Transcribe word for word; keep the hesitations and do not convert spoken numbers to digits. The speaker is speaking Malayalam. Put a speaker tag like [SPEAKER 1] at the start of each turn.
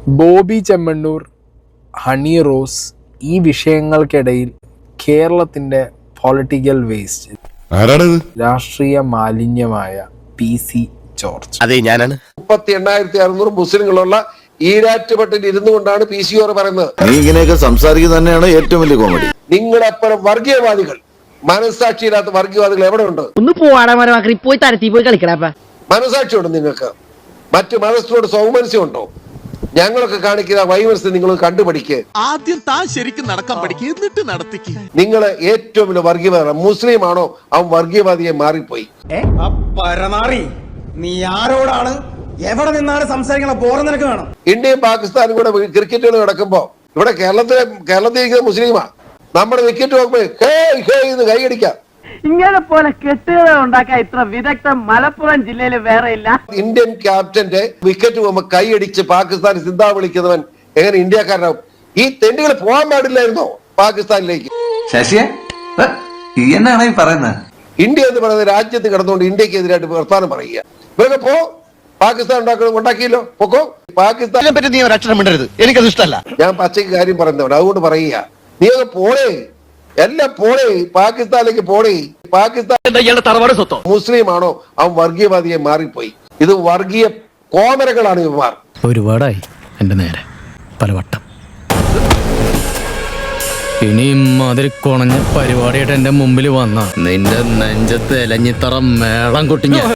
[SPEAKER 1] ബോബി ചെമ്മണ്ണൂർ, ഹണി റോസ്, ഈ വിഷയങ്ങൾക്കിടയിൽ കേരളത്തിന്റെ പൊളിറ്റിക്കൽ വേസ്റ്റ്, രാഷ്ട്രീയ മാലിന്യമായ പി സി ജോർജ്.
[SPEAKER 2] അതെ, ഞാനാണ്.
[SPEAKER 3] മുപ്പത്തി എണ്ണായിരത്തി അറുന്നൂറ് മുസ്ലിങ്ങളുള്ള ഈരാറ്റുപെട്ടിൽ ഇരുന്നു കൊണ്ടാണ് പി സി ഓർ പറയുന്നത്.
[SPEAKER 4] നീ ഇങ്ങനെയൊക്കെ സംസാരിക്കുന്നത് തന്നെയാണ് ഏറ്റവും വലിയ കോമഡി.
[SPEAKER 3] നിങ്ങളപ്പുറം വർഗീയവാദികൾ, മനസ്സാക്ഷിയില്ലാത്ത വർഗീയവാദികൾ എവിടെ ഉണ്ട്?
[SPEAKER 5] ഒന്ന് പോവാടാ, പോയി തരത്തി പോയി കളിക്കടാ.
[SPEAKER 3] മനസ്സാക്ഷിയുണ്ട് നിങ്ങൾക്ക്? മറ്റു മതസ്ഥരോട് സൗമനസ്യം ഉണ്ടോ? ഞങ്ങളൊക്കെ കാണിക്കുന്ന വൈമനസ്യം നിങ്ങൾ കണ്ടുപഠിക്ക്.
[SPEAKER 2] ആദ്യം താൻ ശരിക്കും നടക്കാൻ പഠിക്കുക, എന്നിട്ട് നടത്തിക്ക്.
[SPEAKER 3] നിങ്ങൾ ഏറ്റവും വലിയ വർഗീയവാദി മുസ്ലിം ആണോ? അവൻ വർഗീയവാദിയെ മാറിപ്പോയി.
[SPEAKER 6] പരമാറി നീ ആരോടാണ് എവിടെ നിന്നാണ് സംസാരിക്കണ ബോറം നിനക്ക് വേണം.
[SPEAKER 3] ഇന്ത്യയും പാകിസ്ഥാനും കൂടെ ക്രിക്കറ്റ് കളി നടക്കുമ്പോ ഇവിടെ കേരളത്തിലെ കേരളത്തിൽ ഇരിക്കുന്ന മുസ്ലിമാ. നമ്മുടെ വിക്കറ്റ് നോക്കുമ്പോ ഹേ ഹേ എന്ന് കൈയടിക്കാം.
[SPEAKER 5] ഇങ്ങനെ പോലെ കെട്ടുകഥ ഉണ്ടാക്കാൻ ഇത്ര വിദഗ്ധം മലപ്പുറം ജില്ലയിൽ വേറെ ഇല്ല.
[SPEAKER 3] ഇന്ത്യൻ ക്യാപ്റ്റന്റെ വിക്കറ്റ് പോകുമ്പോ കൈയടിച്ച് പാകിസ്ഥാൻ സിന്ധാ വിളിക്കുന്നവൻ എങ്ങനെ ഇന്ത്യക്കാരനാവും? ഈ തെണ്ടുകൾ പോകാൻ പാടില്ലായിരുന്നോ പാകിസ്ഥാനിലേക്ക്?
[SPEAKER 7] ശശിയെ എന്നാണ് ഈ പറയുന്നത്?
[SPEAKER 3] ഇന്ത്യ എന്ന് പറയുന്ന രാജ്യത്ത് കിടന്നുകൊണ്ട് ഇന്ത്യക്ക് എതിരായിട്ട് വർത്താനം പറയുക. ഇവരൊക്കെ പോ, പാകിസ്ഥാൻ ഉണ്ടാക്കണം ഉണ്ടാക്കിയല്ലോ, പൊക്കോ. പാകിസ്ഥാനെ
[SPEAKER 2] പറ്റി നീ ഒരു അക്ഷരം മിണ്ടരുത്, എനിക്കത് ഇഷ്ടമല്ല.
[SPEAKER 3] ഞാൻ പച്ചയ്ക്ക് കാര്യം പറയുന്നവൻ, അതുകൊണ്ട് പറയുക. നീ ഒക്കെ പോണേ, എല്ലാം പോണേ, പാകിസ്ഥാനിലേക്ക് പോണേ. പാകിസ്ഥാൻ
[SPEAKER 2] തറവാട് സ്വത്തോ
[SPEAKER 3] മുസ്ലിം ആണോ? അവൻ വർഗീയവാദിയെ മാറിപ്പോയി. ഇത് വർഗീയ കോമരകളാണ് ഇവന്മാർ.
[SPEAKER 8] ഒരുപാടായി എന്റെ നേരെ പലവട്ടം. ഇനിയും അതിൽ കുണഞ്ഞ പരിപാടിയായിട്ട് എന്റെ മുമ്പിൽ വന്ന നിന്റെ നെഞ്ചത്ത് എലഞ്ഞിത്തറ മേളം കൊട്ടിഞ്ഞ